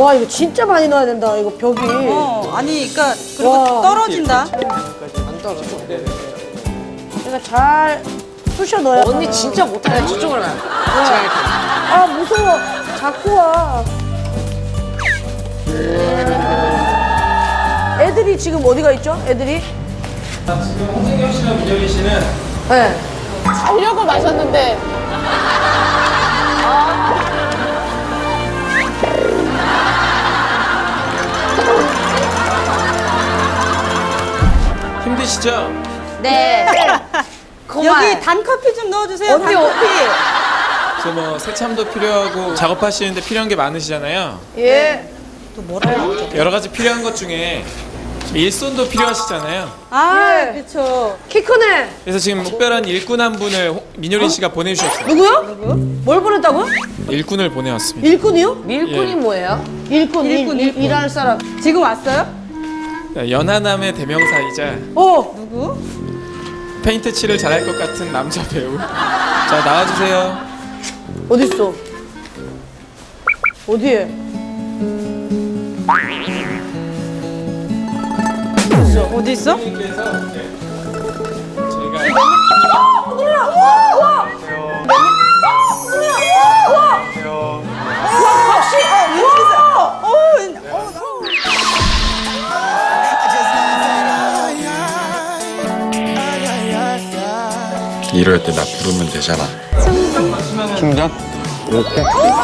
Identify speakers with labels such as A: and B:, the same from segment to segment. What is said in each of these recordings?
A: 와 이거 진짜 많이 넣어야 된다. 이거 벽이.
B: 아니 그러니까 그리고
A: 와.
B: 떨어진다.
A: 안 떨어져. 그러니까 잘 쑤셔 넣어야.
C: 언니 진짜 못하네. 저쪽으로 가요.
A: 아 무서워. 자꾸 와. 애들이 지금 어디가 있죠? 애들이?
D: 지금 홍진경 씨랑 민혁이 씨는
A: 네.
C: 자려고 마셨는데.
D: 힘드시죠?
C: 네.
B: 여기 단커피 좀 넣어주세요.
C: 언니,
B: 단커피.
D: 그래서 뭐 세참도 필요하고 작업하시는데 필요한 게 많으시잖아요.
A: 예.
B: 또 뭐라고?
D: 여러 가지 필요한 것 중에 일손도 필요하시잖아요.
B: 아
A: 예.
B: 그렇죠.
A: 키 크네.
D: 그래서 지금 특별한 일꾼 한 분을 민효린 씨가 보내주셨어요.
A: 누구요? 뭘 보냈다고요?
D: 일꾼을 보내왔습니다.
A: 일꾼이요?
C: 밀꾼이
D: 예.
C: 뭐예요?
A: 일꾼.
B: 일꾼.
A: 일할 사람.
B: 지금 왔어요?
D: 연하남의 대명사이자
B: 누구?
D: 페인트 칠을 잘할 것 같은 남자 배우. 자, 나와주세요.
A: 어딨어? 어디에?
B: 어디 있어?
D: 님께서 저희가
B: 혹시
E: 이럴 때 나 부르면 되잖아. 충전? 이렇게?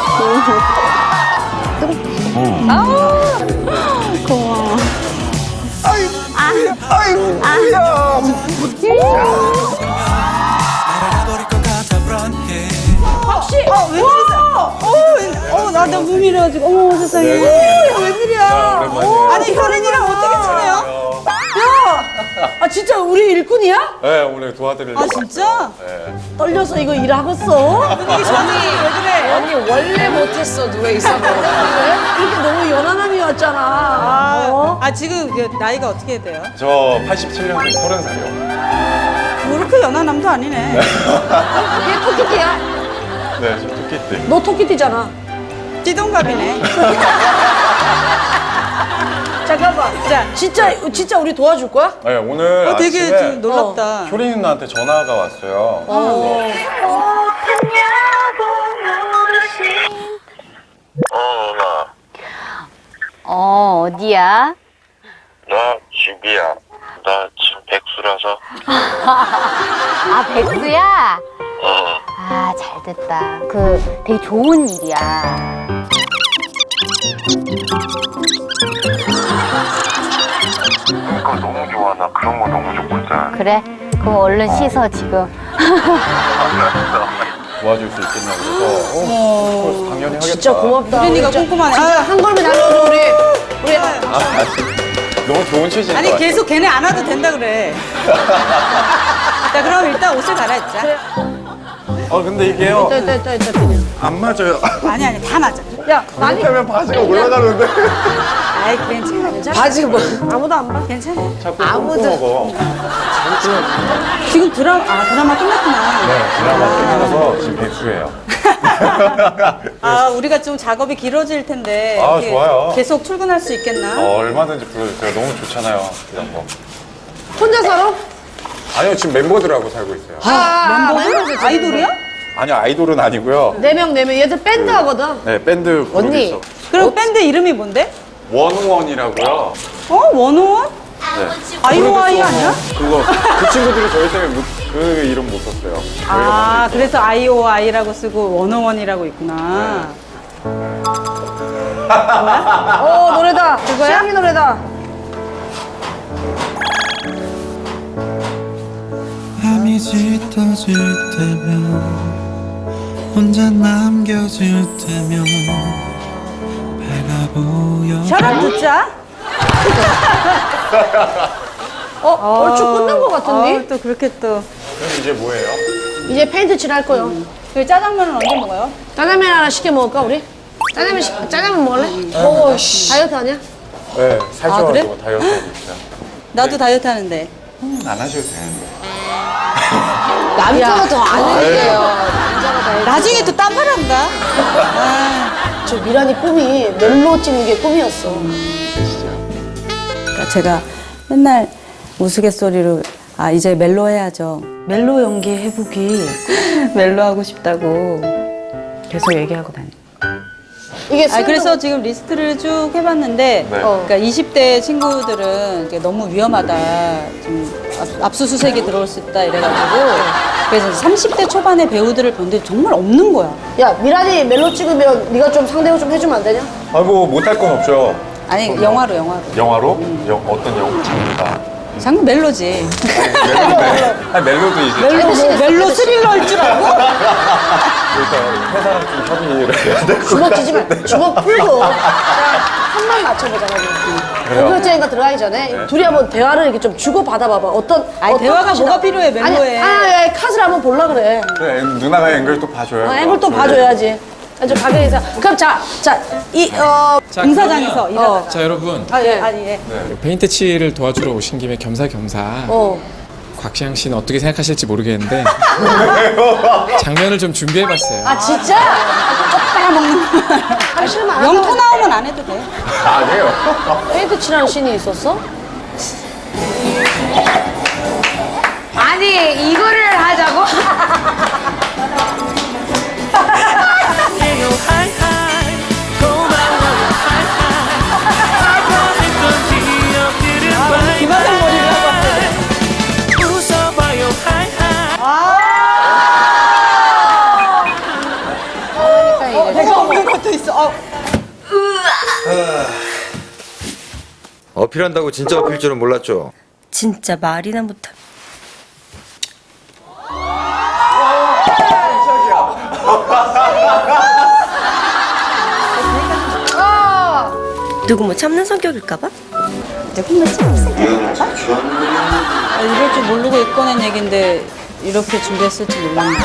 B: 혹시 웬일이세요? 나 너무 미래가지고 어머 세상에.
A: 웬일이야?
B: 아니 현인이랑 어떻게 친해요?
A: 아 진짜 우리 일꾼이야?
E: 네, 오늘 도와드리려고.
B: 아 진짜?
A: 떨려서 이거 일하겠어?
B: 분위기 좋니? 왜 그래?
C: 언니 원래 못했어. 누가 있어.
A: 이렇게 너무 연하남이 왔잖아. 어?
B: 지금 나이가 어떻게 돼요?
E: 저 87년생 30살이요.
B: 그렇게 연하남도 아니네.
A: 얘 토끼띠야?
E: 네, 저 토끼띠.
A: 너 토끼띠잖아.
B: 찌동갑이네.
A: 잠깐만.
B: 자,
A: 진짜 우리 도와줄 거야?
E: 네, 오늘
B: 되게
E: 아침에
B: 좀 놀랍다.
E: 효린 누나한테 전화가 왔어요.
F: 어, 어디야?
G: 나 집이야. 나 지금 백수라서.
F: 아, 백수야?
G: 어.
F: 아, 잘 됐다. 되게 좋은 일이야.
G: 그러니까 너무 좋아. 나 그런 거 너무 좋고 있잖아.
F: 그래? 그럼 얼른 씻어, 지금.
E: 도와줄 수 있겠냐 그래서 그래서 당연히 하겠다.
A: 진짜 고맙다.
B: 효린이가 꼼꼼하네.
A: 진짜 한 걸음에 날려줘 우리. 우리
E: 너무 좋은 취지인 것
B: 아니
E: 같아요.
B: 계속 걔네 안 와도 된다 그래. 자 그럼 일단 옷을 갈아입자.
E: 근데 이게요
A: 있다 그냥.
E: 안 맞아요.
B: 아니 다 맞아.
A: 야 많이
E: 하면 바지가 올라가는데.
B: 아이 괜찮아.
A: 바지 뭐 아무도 안 봐.
B: 괜찮아.
E: 자꾸 아무도 먹어.
B: 지금 드라마 끝났구나.
E: 네, 드라마 끝나서 지금 백수예요.
B: 우리가 좀 작업이 길어질 텐데.
E: 아,
B: 이렇게
E: 좋아요.
B: 계속 출근할 수 있겠나?
E: 얼마든지 불러주세요. 너무 좋잖아요. 이런 거.
A: 혼자 살아?
E: 아니요, 지금 멤버들하고 살고 있어요.
B: 멤버들? 아이돌이야?
E: 아니요, 아이돌은 아니고요.
A: 네 명. 얘들 밴드 하거든.
E: 네, 밴드 그룹이
C: 언니.
E: 있어.
B: 그럼 밴드 이름이 뭔데?
E: 원원이라고요.
B: 원호원?
E: 네.
B: 아이오아이 아니야?
E: 그거 그 친구들이 저희 때문에 그 이름 못 썼어요. 저희가
B: 그래서 아이오아이라고 쓰고 원호원이라고 있구나.
A: 노래다.
B: 그거야?
A: 시향이 노래다.
H: 밤이 짙어질 때면 혼자 남겨질 때면 배가 보여
B: 혈압 듣자.
A: 얼추 끝난 것 같은데?
B: 또 그렇게 또.
E: 그럼 이제 뭐예요?
A: 이제 페인트 칠할 거요.
B: 여기 짜장면은 언제 먹어요?
A: 짜장면 하나 시켜 먹을까 우리? 짜장면 먹을래? 먹어. 다이어트 아니야?
E: 네, 살쪄가지고
B: 그래?
E: 다이어트 하고 있어요.
B: 나도 다이어트 하는데.
E: 안 하셔도 되는데.
C: 남자가 더 안 해요.
B: 나중에 또 딴말한다.
A: 저 미란이 꿈이 멜로 찍는 게 꿈이었어.
B: 그러니까 제가 맨날 우스갯소리로 아 이제 멜로 해야죠. 멜로 연기 해보기. 멜로 하고 싶다고 계속 얘기하고 다녀.
A: 이게
B: 그래서 지금 리스트를 쭉 해봤는데, 그러니까 20대 친구들은 이게 너무 위험하다, 좀 압수수색이 들어올 수 있다 이래가지고, 그래서 30대 초반의 배우들을 봤는데 정말 없는 거야.
A: 야 미란이 멜로 찍으면 네가 좀 상대로 좀 해주면 안 되냐?
E: 아이고 못할 건 없죠.
B: 아니 영화로.
E: 영화로? 어떤 영화? 장르가?
B: 장르 멜로지.
E: 멜로인데. 아니 멜로도 이제
B: 멜로 스릴러일 줄 알고?
E: 일단 회사랑 좀 협의를 해야 될 것
A: 주먹
E: 같아.
A: 쥐지 마. 주먹 풀고 그냥 한만 맞춰보자. 공격적인 거 들어가기 전에 둘이 한번 대화를 이렇게 좀 주고 받아봐봐. 어떤
B: 대화가
A: 컷이나.
B: 뭐가 필요해, 멜로에.
A: 아니, 컷을 한번 볼라 그래.
E: 그래, 누나가 앵글 또 봐줘요.
A: 앵글 또 봐줘야지. 좀 가게에서. 그럼 자,
D: 자,
B: 공사장에서
D: 그러면-
B: 일하다가.
D: 자 여러분
B: 예.
D: 페인트 칠을 도와주러 오신 김에 겸사겸사 곽시영 씨는 어떻게 생각하실지 모르겠는데 장면을 좀 준비해봤어요.
A: 아 진짜?
B: 빨아먹는 거.
A: 하기 싫으면 안
B: 영토
A: 하고.
B: 나오면 안 해도 돼.
E: 아니에요.
A: 페인트 칠하는 씬이 있었어?
C: 아니 이거를 하자고?
B: 김하성 머리를 하고 왔어요. 내가 없는 것도 있어.
I: 어필한다고 진짜 어필 줄은 몰랐죠.
J: 진짜 말이나 못하. 누구 뭐 참는 성격일까봐?
B: 이럴 줄 모르고 꺼낸 얘긴데 이렇게 준비했을지 몰랐네.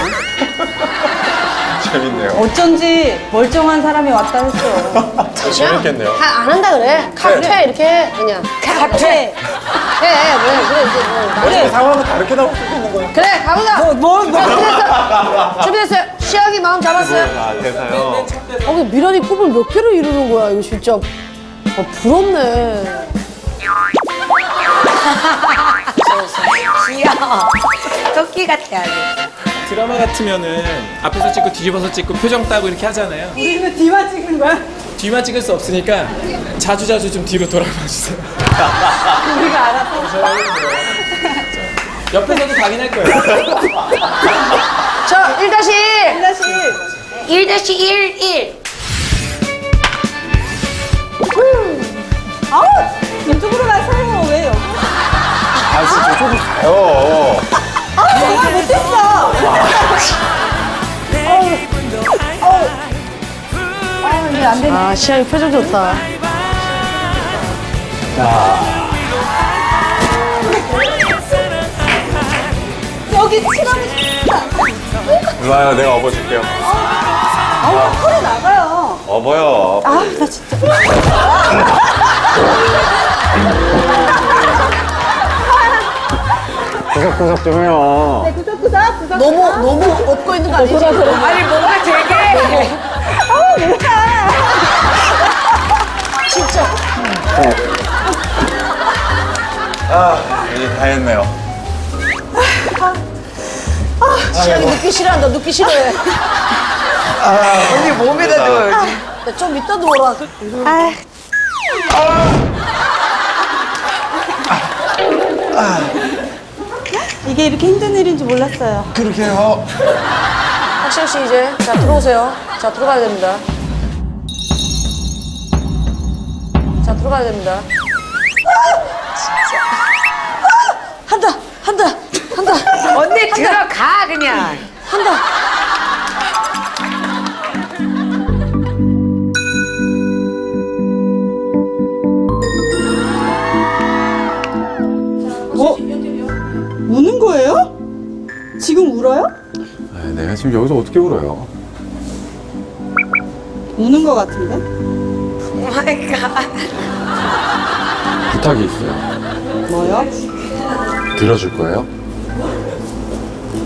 E: 재밌네요.
B: 어쩐지 멀쩡한 사람이 왔다 했어.
E: 재밌겠네요.
A: 안 한다 그래. 카페 이렇게 해, 그냥.
B: 카페.
A: 해. 그래 이제 뭐.
E: 그래. 상황은 다르게 나올 수도 있는 거예요.
A: 그래 가보자. 준비됐어요. 시작이 마음 잡았어요.
E: 아, 대사요.
A: 미란이 꿈을 몇 개를 이루는 거야 이거 진짜. 부럽네.
C: 귀여워. 토끼 같아 아주.
D: 드라마 같으면은 앞에서 찍고 뒤집어서 찍고 표정 따고 이렇게 하잖아요.
B: 우리는 뒤만 찍는 거야?
D: 뒤만 찍을 수 없으니까 자주자주 좀 뒤로 돌아봐 주세요.
B: 우리가 알아서.
D: 옆에서도 당연할 거예요.
A: 자 1-1.
C: 1-1-1.
B: 아우 이쪽으로 가세요. 왜 여기?
E: 아, 진짜 저쪽으로 가요.
B: 정말 못했어. 이게 안 되네.
A: 아 시작이 표정 좋다.
B: 여기 칠하고 싶다.
E: 누나야, 내가 업어줄게요.
B: 아우 털이 나가요.
E: 업어요.
B: 아 나 진짜.
E: 구석구석 좀 해요.
B: 구석구석.
A: 너무 업고 있는 거 아니지?
C: 아니 뭔가 되게.
B: 아우 뭐야.
A: 진짜.
E: 이제 다 했네요.
A: 시작이 눕기 싫어한다. 눕기 싫어해.
C: 언니 몸에다 넣어야지.
A: 야, 좀 이따 누워라.
B: 이게 이렇게 힘든 일인 줄 몰랐어요.
E: 그렇게 해요.
A: 박시영 씨 이제 자 들어오세요. 자 들어가야 됩니다. 자 들어가야 됩니다. 한다.
C: 언니 들어가 그냥.
A: 한다.
B: 우는 거예요? 지금 울어요?
E: 내가 지금 여기서 어떻게 울어요?
B: 우는 거 같은데?
C: 오 마이 갓.
E: 부탁이 있어요.
B: 뭐요?
E: 들어줄 거예요?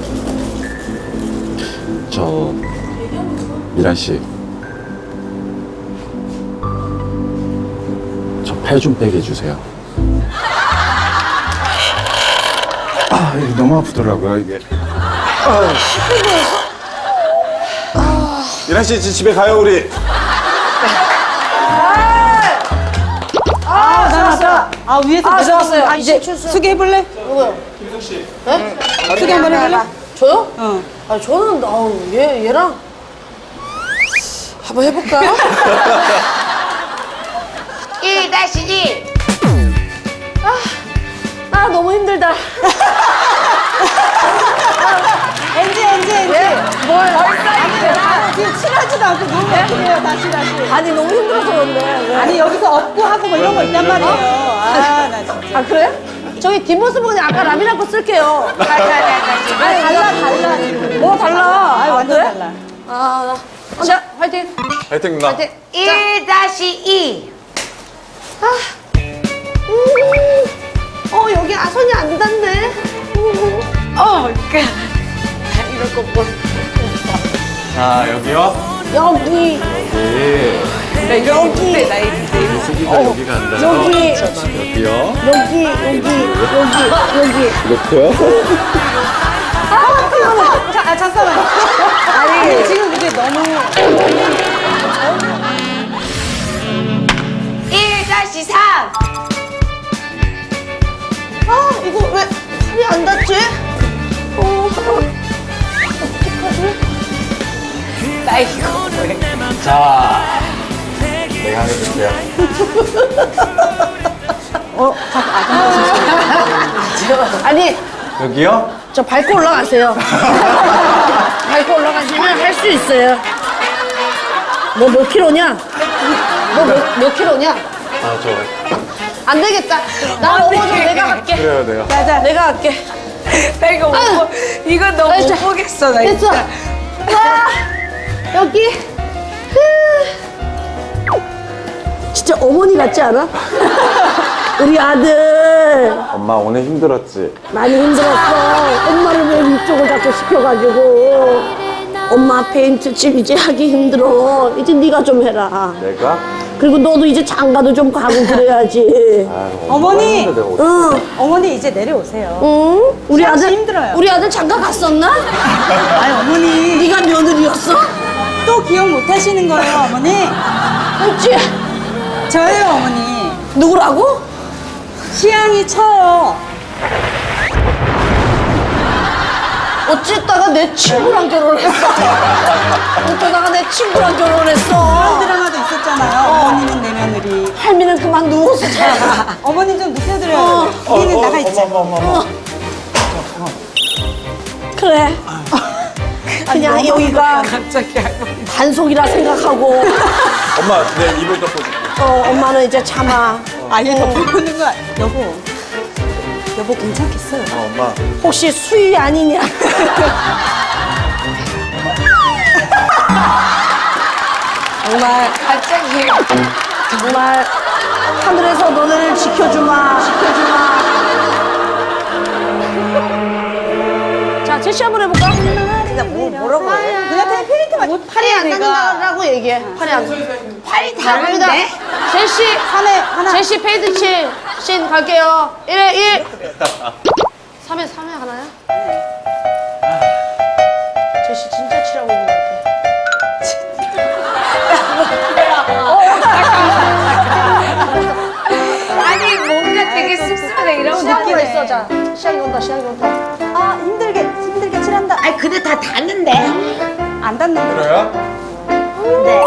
E: 저 미란 씨
K: 살 좀 빼게 해주세요. 아, 이게 너무 아프더라고요, 이게.
E: 미나 씨 이제 집에 가요 우리.
B: 아, 위에서
A: 잡았어요.
B: 아, 이제 수기 해볼래?
A: 누구요?
B: 네? 수기 한번 해볼래?
A: 저요?
B: 어.
A: 아 저는 얘랑 한번 해볼까요?
C: 1-2.
A: 아 너무 힘들다.
B: 엔지.
A: 뭘?
B: 지금 칠하지도 않고 너무 예쁘네요. 다시.
A: 아니 너무 힘들어서 그런데. 왜?
B: 아니, 여기서 업고 하고 뭐 이런 거 있단 말이에요. 아, 나 진짜.
A: 아 그래? 저기 뒷모습은 그냥 아까 라미랑 거 쓸게요. 아니 달라. 뭐 달라?
B: 아, 완전
A: 그래?
B: 달라.
A: 자 화이팅.
E: 화이팅 누나.
A: 화이팅.
C: 1-2.
A: 여기 손이 안 닿네.
C: 이럴 거 뭐.
E: 자 여기요.
A: 여기
K: 수기가 여기 간다. 여기요.
A: 여기.
K: 이렇게요?
B: 잠깐만. 아니, 지금 그게 너무.
C: 1-3.
A: 이거 왜 손이 안 닿지?
E: 자 내가 해줄게요.
A: 아니
E: 여기요?
A: 저 밟고 올라가세요. 밟고 올라가시면 할 수 있어요. 너 몇 킬로냐? 너 몇 킬로냐?
E: 아 저.
A: 안 되겠다. 나 넘어져. 내가 갈게.
E: 그래요 내가.
A: 자, 내가 갈게.
C: 나 이거 못 보, 이거 너무 못 보겠어, 나
A: 됐어.
C: 진짜.
A: 와, 여기. 진짜 어머니 같지 않아? 우리 아들
E: 엄마 오늘 힘들었지?
A: 많이 힘들었어. 엄마를 왜 이쪽을 자꾸 시켜가지고. 엄마 페인트 칠 이제 하기 힘들어. 이제 네가 좀 해라.
E: 내가?
A: 그리고 너도 이제 장가도 좀 가고 그래야지.
B: 어머니!
A: 응.
B: 어머니, 이제 내려오세요.
A: 응? 우리
B: 시험 씨
A: 아들
B: 힘들어요.
A: 우리 아들 장가 갔었나?
B: 아니, 어머니.
A: 네가 며느리였어?
B: 또 기억 못 하시는 거예요, 어머니?
A: 그렇지?
B: 저예요, 어머니.
A: 누구라고?
B: 시향이 쳐요.
A: 어쨌다가 내 친구랑 결혼했어. 어쩌다가 내 친구랑
B: 그런
A: 결혼했어.
B: 드라마도 있었잖아요. 어머니는 내 며느리.
A: 할미는 그만 누워서 자.
B: 어머니 좀 눕혀드려요. 우리는 나가 있자.
A: 그래. 그냥 여기가
C: 갑자기 할머니.
A: 단속이라 생각하고.
E: 엄마 내 입을 덮어줄게.
A: 엄마는 이제 참아.
B: 아예 덮어보는 거야. 여보 괜찮겠어요?
E: 엄마.
A: 혹시 수위 아니냐? 정말
C: 갑자기.
A: 정말 하늘에서 너를 지켜주마. 자, 제시 한번 해볼까?
C: 뭐라고 해?
B: 그냥 페인트만.
A: 팔이 안 닿는다라고 얘기해. 팔이 안 닿는다.
C: 팔이
A: 갑니다.
C: 다른데?
A: 제시
B: 하나.
A: 제시 페이드 씬 갈게요. 1에 1. 3에 하나야? 제시 진짜 칠하고 있는 것
C: 아니, 뭔가 되게 씁쓸하다, 이런
A: 같아. 시작이
C: 느낌에.
A: 있어. 자, 시작이 온다.
B: 아, 힘들게 칠한다.
C: 아니, 근데 다 닿는데?
B: 안 닿는데.
E: 그래요?
C: 네.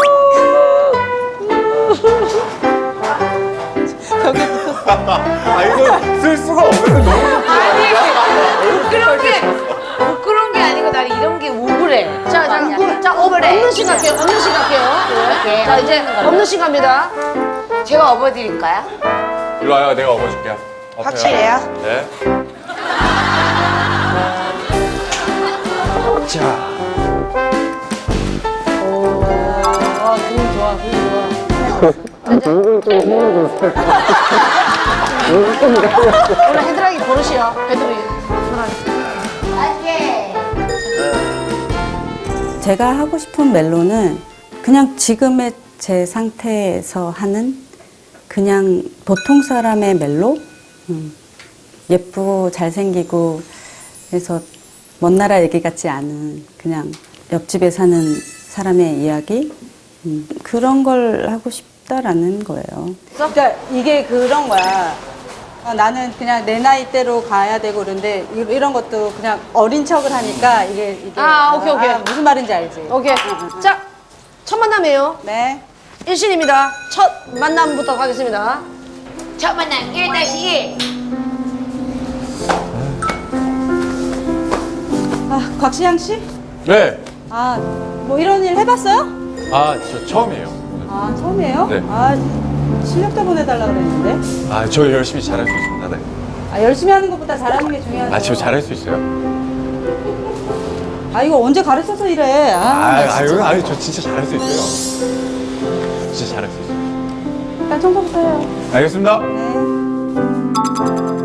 B: 벽에 붙었어.
E: 아 이거 쓸 수가 없는데 너무.
C: 아니, 부끄러운 게 아니고 난 이런 게 우울해.
A: 자, 없는 씬 갈게요.
C: 네.
A: 자, 이제 없는 씬 갑니다.
C: 제가 업어드릴까요?
E: 일로 와요 내가 업어줄게요.
C: 확실해요?
E: 네.
K: 자.
A: 원래 헤드락이 버릇이야. 헤드락이.
B: 제가 하고 싶은 멜로는 그냥 지금의 제 상태에서 하는 그냥 보통 사람의 멜로? 예쁘고 잘생기고 그래서 먼 나라 얘기 같지 않은 그냥 옆집에 사는 사람의 이야기? 그런 걸 하고 싶다라는 거예요. 그러니까 이게 그런 거야. 나는 그냥 내 나이대로 가야 되고 그런데 이런 것도 그냥 어린 척을 하니까 이게
A: 오케이.
B: 무슨 말인지 알지?
A: 오케이. 자, 첫 만남이에요.
B: 네.
A: 일신입니다. 첫 만남부터 가겠습니다.
C: 첫 만남 1-1.
B: 곽시양 씨?
E: 네.
B: 뭐 이런 일 해봤어요?
E: 저 처음이에요.
B: 처음이에요?
E: 네.
B: 실력자 보내달라 그랬는데.
E: 저 열심히 잘할 수 있습니다. 네.
B: 열심히 하는 것보다 잘하는 게 중요하죠.
E: 저 잘할 수 있어요.
B: 이거 언제 가르쳐서 이래.
E: 저 진짜 잘할 수 있어요. 진짜 잘할 수 있어요.
B: 일단 청소부터 해요.
E: 알겠습니다.
B: 네.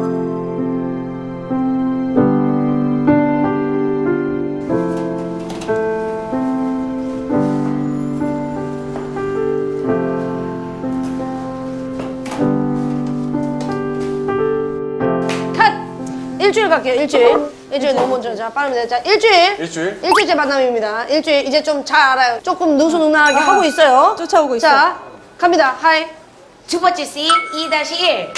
A: 일주일 갈게요. 일주일 너무 먼저. 자, 빠릅니다. 자, 일주일째 만남입니다. 일주일 이제 좀 잘 알아요. 조금 느수능란하게 하고 있어요.
B: 쫓아오고 있어.
A: 자, 갑니다. 하이.
C: 두 번째 씬 2-1.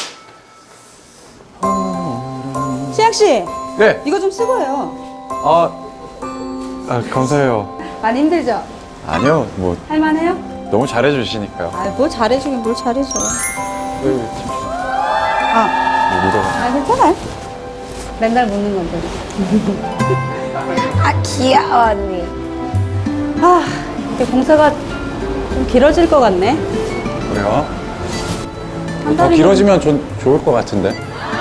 B: 시양 씨,
E: 네.
B: 이거 좀 쓰고 해요.
E: 감사해요.
B: 많이 힘들죠?
E: 아니요, 뭐
B: 할만해요?
E: 너무 잘해주시니까요.
B: 뭘 잘해주긴 뭘 잘해줘. 괜찮아요. 맨날 묻는 건데.
A: 귀여워, 언니.
B: 이게 공사가 좀 길어질 것 같네.
E: 그래요?
B: 한
E: 더
B: 달이면-
E: 길어지면 좋을 것 같은데.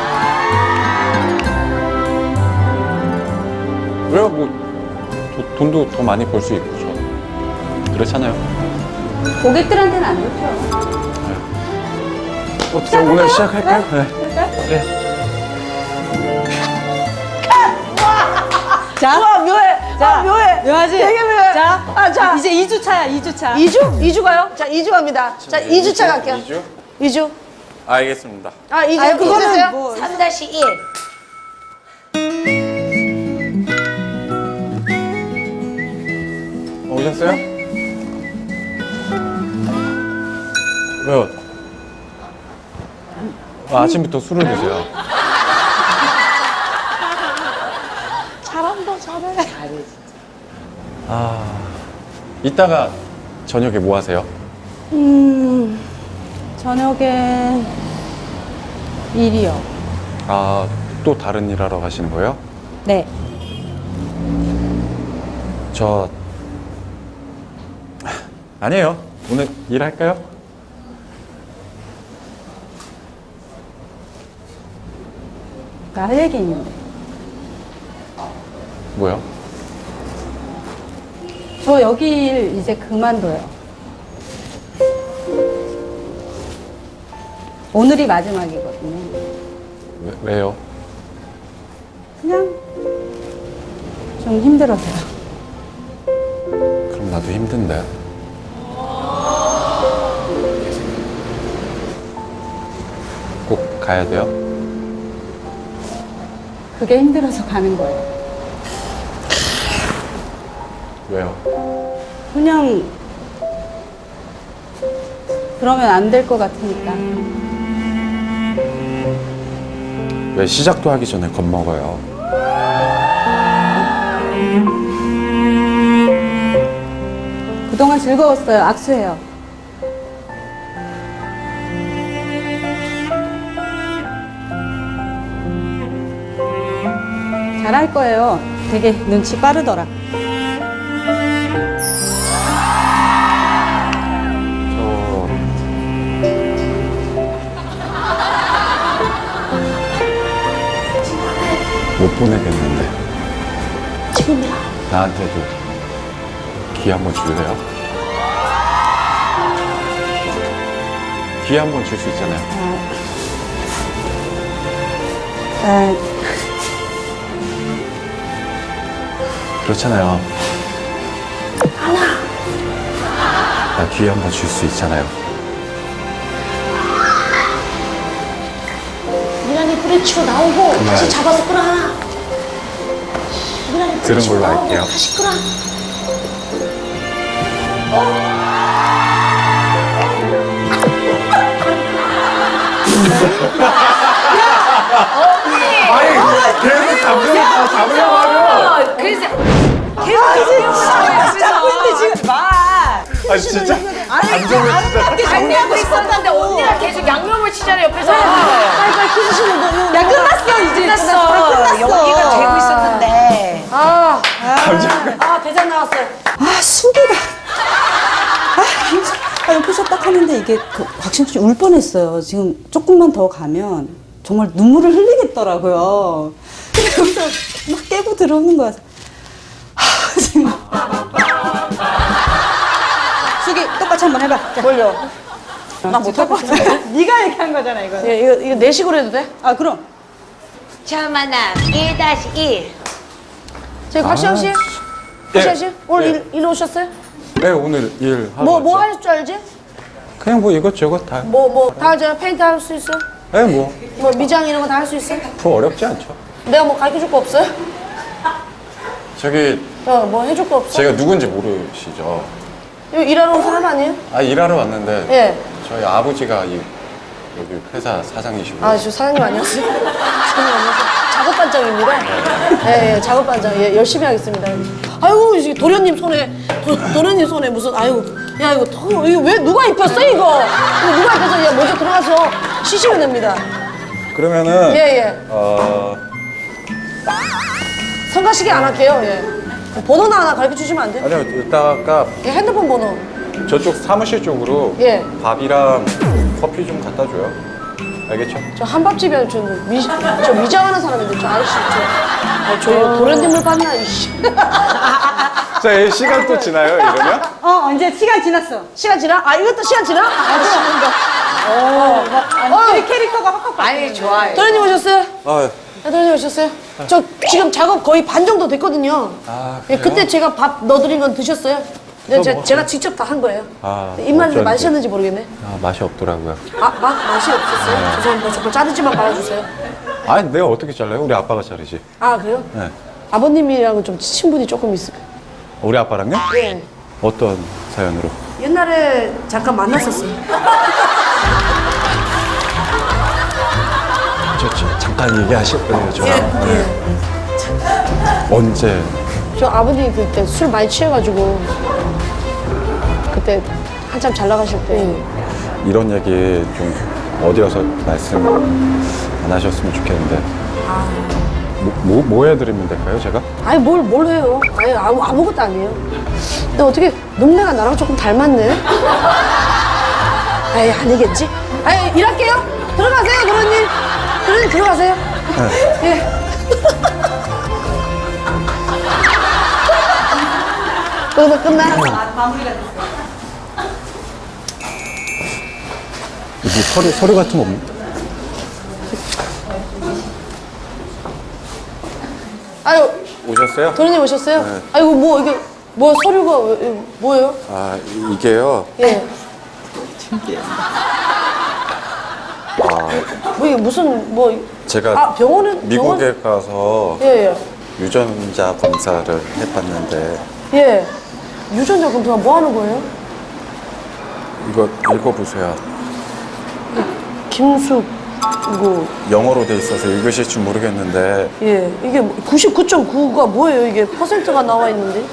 E: 왜요? 뭐 돈도 더 많이 벌 수 있고 그렇잖아요.
B: 고객들한테는 안 좋죠.
E: 어떻게 오늘 시작할까요? 네.
B: 그럴까요? 자,
A: 묘해.
B: 자,
A: 묘해.
B: 묘하지?
A: 되게 묘해.
B: 자,
A: 자.
B: 이제 2주차야, 2주차.
A: 2주 가요? 자, 2주 갑니다. 자, 2주차 갈게요. 2주.
E: 알겠습니다.
A: 2주.
B: 그거는 뭐.
C: 3-1.
E: 오셨어요? 왜요? 아침부터 술을 드세요.
B: 잘한다, 잘해.
E: 이따가 저녁에 뭐 하세요?
B: 저녁에 일이요.
E: 또 다른 일 하러 가시는 거예요?
B: 네.
E: 아니에요. 오늘 일할까요?
B: 나 할 얘기 있는데.
E: 뭐요?
B: 저 여기 일 이제 그만둬요. 오늘이 마지막이거든요.
E: 왜요?
B: 그냥 좀 힘들어서요.
E: 그럼 나도 힘든데. 꼭 가야 돼요?
B: 그게 힘들어서 가는 거예요.
E: 왜요?
B: 그냥 그러면 안 될 것 같으니까.
E: 왜 시작도 하기 전에 겁먹어요?
B: 그동안 즐거웠어요. 악수해요. 잘할 거예요. 되게 눈치 빠르더라.
E: 못 보내겠는데. 지금이야. 나한테도 기회 한번 줄래요? 기회 한번 줄 수 있잖아요. 그렇잖아요. 나 기회 한번 줄 수 있잖아요.
A: 고기랑에 뿌리치고 나오고 다시 잡아서 끌어 하나.
K: 들은 걸로 할게요.
A: 다시 끌어.
E: 계속 잡으려고 하면.
C: 그래서 계속
B: 잡고 있는데 지금 말.
E: 아, 진짜. 감정을 진짜.
C: 간대하고 있었는데 언니가 계속 양념을 치잖아 옆에서.
A: 빨리 키스시는 거.
B: 야 끝났어 이제
C: 끝났어. 연기가 되고 있었는데.
A: 아 대장 나왔어요.
B: 아 수기가 옆에서 딱 하는데 이게 그 곽신수 씨 울 뻔했어요. 지금 조금만 더 가면 정말 눈물을 흘리겠더라고요. 근데 여기서 막 깨고 들어오는 거야. 지금 수기 똑같이 한번 해봐.
A: 뭘요? 나 못할 것 같아.
B: 네가 얘기한 거잖아 이거.
A: 예, 이거 내식으로 해도 돼?
B: 아 그럼.
C: 처음 만남 1-1.
A: 저희 곽시영 씨? 곽시영 씨? 오늘 일 오셨어요?
K: 네, 오늘 일하고
A: 뭐
K: 왔죠.
A: 할 줄 알지?
K: 그냥 뭐 이것저것 다.
A: 다 하죠? 페인트 할 수 있어?
K: 네, 뭐
A: 미장 이런 거 다 할 수 있어?
K: 그거 어렵지 않죠.
A: 내가 뭐 가르쳐 줄 거 없어요?
K: 저기
A: 뭐 해줄 거 없어?
K: 제가 누군지 모르시죠?
A: 여기 일하러 온 사람 아니에요?
K: 아, 일하러 왔는데
A: 예.
K: 저희 아버지가 여기 회사 사장이시고.
A: 아, 저 사장님 아니었어요? 사장님 아니었어요? 작업반장입니다. 예, 작업반장. 예, 열심히 하겠습니다. 아이고, 이제 도련님 손에 무슨, 아이고, 야, 이거 왜 누가 입혔어, 이거? 이거 누가 입혀서, 야, 먼저 들어가서 쉬시면 됩니다.
K: 그러면은
A: 예. 성가시게 안 할게요, 예. 번호나 하나 가르쳐 주시면 안 돼요?
K: 아니요, 이따가
A: 예, 핸드폰 번호.
K: 저쪽 사무실 쪽으로
A: 예.
K: 밥이랑 커피 좀 갖다 줘요. 알겠죠?
A: 저 한밥집에 저 미장하는 사람인데, 저 아저씨, 저 도련님을 봤나, 이씨.
E: 자, 이 시간 또 지나요, 이러면?
B: 이제 시간 지났어.
A: 시간 지나? 아, 이것도 시간 지나?
B: 아니 캐릭터가 확확 바뀌네.
C: 아니 좋아요.
A: 도련님 오셨어요?
K: 아,
A: 네, 도련님 오셨어요? 저 지금 작업 거의 반 정도 됐거든요.
K: 아,
A: 예,
K: 그래요?
A: 그때 제가 밥 넣어드린 건 드셨어요? 네, 제가 직접 다 한 거예요.
K: 아,
A: 입맛이
K: 어쩐지.
A: 맛이었는지 모르겠네.
K: 아, 맛이 없더라고요.
A: 맛이 없었어요? 죄송합니다. 정말 자르지만 말아주세요.
K: 아니, 내가 어떻게 잘라요? 우리 아빠가 자르지.
A: 아, 그래요?
K: 네.
A: 아버님이랑은 좀 친분이 조금 있어요.
K: 우리 아빠랑요?
A: 예.
K: 어떤 사연으로?
A: 옛날에 잠깐 만났었어요.
K: 잠깐 얘기하실 거예요, 저.
A: 예.
K: 언제?
A: 저 아버님 그때 술 많이 취해가지고 그때 한참 잘 나가실 때.
K: 이런 얘기 좀 어디 가서 말씀 안 하셨으면 좋겠는데. 뭐 해드리면 될까요, 제가?
A: 아니 뭘 해요? 아니 아무것도 아니에요. 근데 어떻게 눈매가 나랑 조금 닮았네? 아이 아니겠지? 아이 일할게요. 들어가세요, 도련님. 도련님 들어가세요. 예. 그러면 끝나?
K: 이게 서류 같은 거 없나?
A: 아유
K: 오셨어요?
A: 도련님 오셨어요?
K: 네.
A: 아이고 이게 서류가 뭐예요?
K: 아, 이게요.
A: 예. 이게 무슨
K: 제가
A: 병원에
K: 미국에 가서
A: 예.
K: 유전자 검사를 해봤는데
A: 예. 유전자 검사가 뭐 하는 거예요?
K: 이거 읽어보세요.
A: 김숙 이거
K: 영어로 돼 있어서 읽으실 줄 모르겠는데
A: 예 이게 99.9가 뭐예요? 이게 퍼센트가 나와 있는데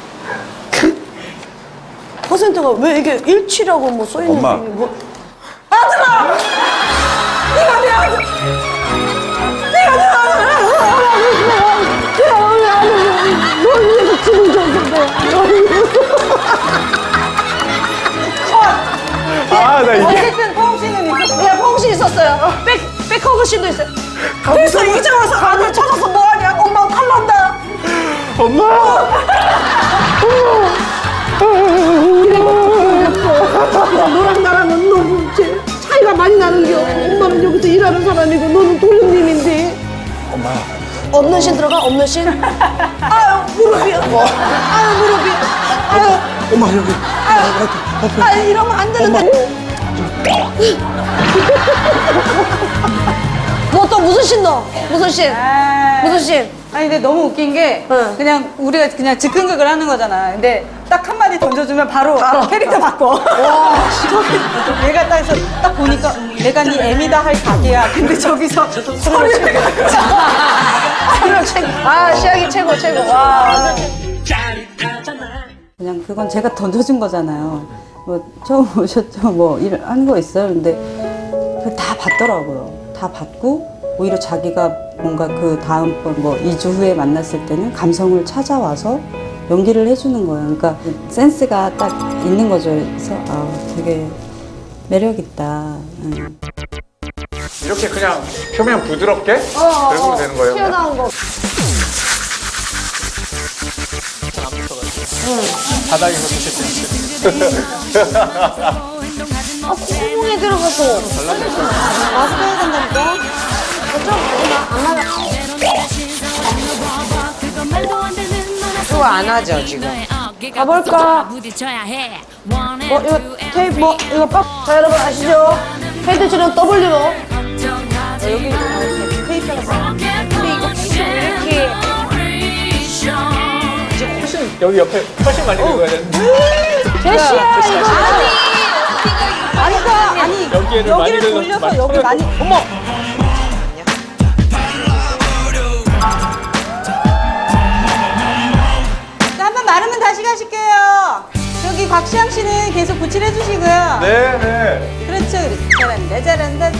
A: 퍼센트가 왜 이게 일치라고 뭐 써 있는
K: 엄마.
A: 게 뭐? 아들아! 네가 내 아들! 네가 내 아들! 널 위해서 죽은 적
E: 아, 나 이게.
B: 어쨌든 포옹 씨는 있었어.
A: 예, 포옹씨 있었어요. 백허그 씨도 있어요. 그래서 이제 와서 아들 찾아서 뭐하냐? 엄마 탈난다. 너랑 나랑은 너무 차이가 많이 나는겨. 엄마는 여기서 일하는 사람이고 너는 도련님인데.
K: 엄마.
A: 없는 신 들어가? 없는 신? 아유 무릎이야. 아유 무릎이. 아유.
K: 엄마 여기.
A: 아유 이러면 안 되는데. 뭐 또 씬 넣어. 무슨 씬? 무슨 씬?
B: 아니 근데 너무 웃긴 게 그냥 우리가 그냥 즉흥극을 하는 거잖아. 근데 딱 한마디 던져주면 바로 캐릭터 바꿔. 와, 얘가 딱 해서 딱 보니까 내가 네 애미다 할 각이야. 근데 저기서 서류
A: 아, 시작이 최고. 와.
B: 그냥 그건 제가 던져준 거잖아요. 뭐 처음 오셨죠? 뭐 하는 거 있어요. 근데 그걸 다 받더라고요. 다 받고 오히려 자기가 뭔가 그 다음번 뭐 2주 후에 만났을 때는 감성을 찾아와서 연기를 해주는 거예요. 그러니까 센스가 딱 있는 거죠. 그래서 되게 매력 있다.
E: 이렇게 그냥 표면 부드럽게 긁으면 되는 거예요.
A: 튀어나온 거.
D: 바닥에서 드실 때.
A: 아, 콧구멍에 들어가서. 마스크 해야 된다니까? 안 맞아.
C: 그거 안 하죠 지금.
A: 가볼까? 이거 테이프, 이거 빡. 자, 여러분 아시죠? 헤드 치는 W로.
C: 여기 테이프가 근데 이거 이렇게
D: 여기 옆에 훨씬 많이 긁어야 되는데.
A: 제시야, 이거.
B: 아니
D: 여기에를 많이
B: 여기를
D: 긁어서
B: 돌려서 여기 많이.
D: 어머!
B: 자, 한번 마르면 다시 가실게요. 저기 곽시영 씨는 계속 붙일 해주시고요.
E: 네.
B: 그렇죠. 잘한다.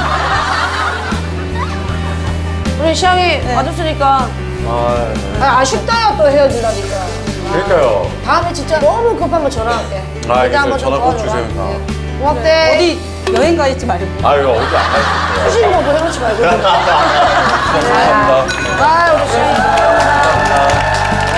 A: 우리 시향이 와줬으니까. 아쉽다요, 또 헤어지다니까.
E: 그러니까요.
A: 다음에 진짜 너무 급하면 전화할게.
E: 알겠어요. 전화 꼭 주세요.
A: 고맙대.
B: 어디 여행 가 있지 말고.
E: 아유, 어디 안 가셨어요?
A: 수신 뭐도 해놓지 말고.
E: 감사합니다.
A: 아, 우리 시향이. 헤어진다.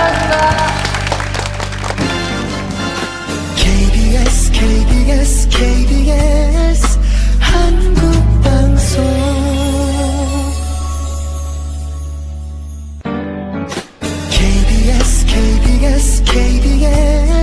H: KBS 한국방송 KBS